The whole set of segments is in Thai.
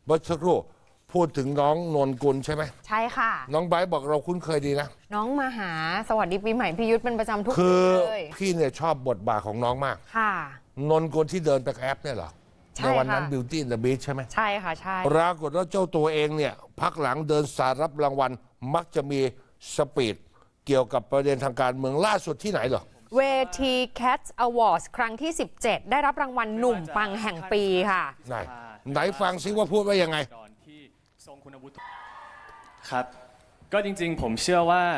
เมื่อสักครู่พูดถึงน้องนนกุลใช่ไหมใช่ค่ะน้องไบร์ทบอกเราคุ้นเคยดีนะน้องมาหาสวัสดีปีใหม่พี่ยุทธเป็นประจำทุกคืปีอเลยพี่เนี่ยชอบบทบาทของน้องมากค่ะนนกุลที่เดินไปแอปเนี่ยเหรอในวันนั้น Beauty and the Beast ใช่ไหมใช่ค่ะใช่ปรากฏว่าเจ้าตัวเองเนี่ยพักหลังเดินสายรับรางวัลมักจะมีสปีดเกี่ยวกับประเด็นทางการเมืองล่าสุดที่ไหนเหรอเวที Cats Awards ครั้งที่ 17 ได้รับรางวัลหนุ่มปังแห่งปีค่ะไหนฟังซิว่าพูดว่ายังไงครับก็จริงๆผมเชื่อว่า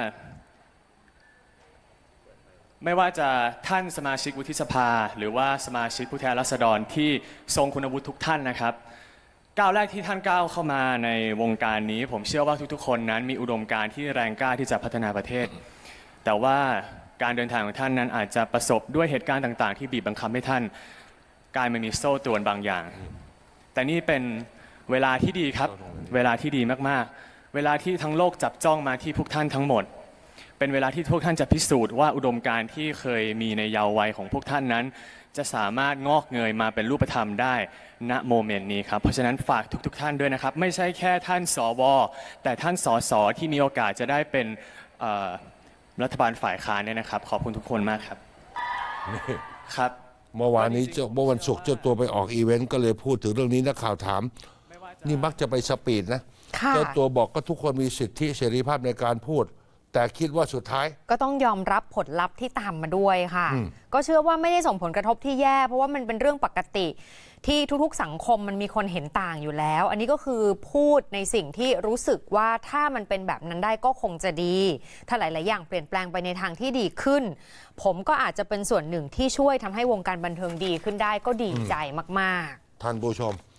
ไม่ว่าจะท่านสมาชิกวุฒิสภาหรือว่าสมาชิกผู้แทนราษฎรที่ทรงคุณวุฒิทุกท่านนะครับก้าวแรกที่ท่านก้าวเข้ามาในวงการนี้ผมเชื่อว่าทุกๆคนนั้นมีอุดมการณ์ที่แรงกล้าที่จะพัฒนาประเทศแต่ว่าการเดินทางของท่านนั้นอาจจะประสบด้วยเหตุการณ์ต่างๆที่บีบบังคับให้ท่านกลายมามีโซ่ตรวนบางอย่างแต่นี่เป็นเวลาที่ดีครับเวลาที่ดีมากๆเวลาที่ทั้งโลกจับจ้องมาที่พวกท่านทั้งหมดเป็นเวลาที่พวกท่านจะพิสูจน์ว่าอุดมการณ์ที่เคยมีในเยาว์วัยของพวกท่านนั้นจะสามารถงอกเงยมาเป็นรูปธรรมได้ณโมเมนต์นี้ครับเพราะฉะนั้นฝากทุกท่านด้วยนะครับไม่ใช่แค่ท่านสวแต่ท่านสสที่มีโอกาสจะได้เป็นรัฐบาลฝ่ายค้านเนี่ยนะครับขอบคุณทุกคนมากครับครับเมื่อวานนี้เมื่อวันศุกร์เจ้าตัวไปออกอีเวนต์ก็เลยพูดถึงเรื่องนี้นักข่าวถามนี่มักจะไปสปีดนะเจ้าตัวบอกก็ทุกคนมีสิทธิเสรีภาพในการพูดแต่คิดว่าสุดท้ายก็ต้องยอมรับผลลัพธ์ที่ตามมาด้วยค่ะก็เชื่อว่าไม่ได้ส่งผลกระทบที่แย่เพราะว่ามันเป็นเรื่องปกติที่ทุกๆสังคมมันมีคนเห็นต่างอยู่แล้วอันนี้ก็คือพูดในสิ่งที่รู้สึกว่าถ้ามันเป็นแบบนั้นได้ก็คงจะดีถ้าหลายๆอย่างเปลี่ยนแปลงไปในทางที่ดีขึ้นผมก็อาจจะเป็นส่วนหนึ่งที่ช่วยทำให้วงการบันเทิงดีขึ้นได้ก็ดีใจมากๆท่านผู้ชม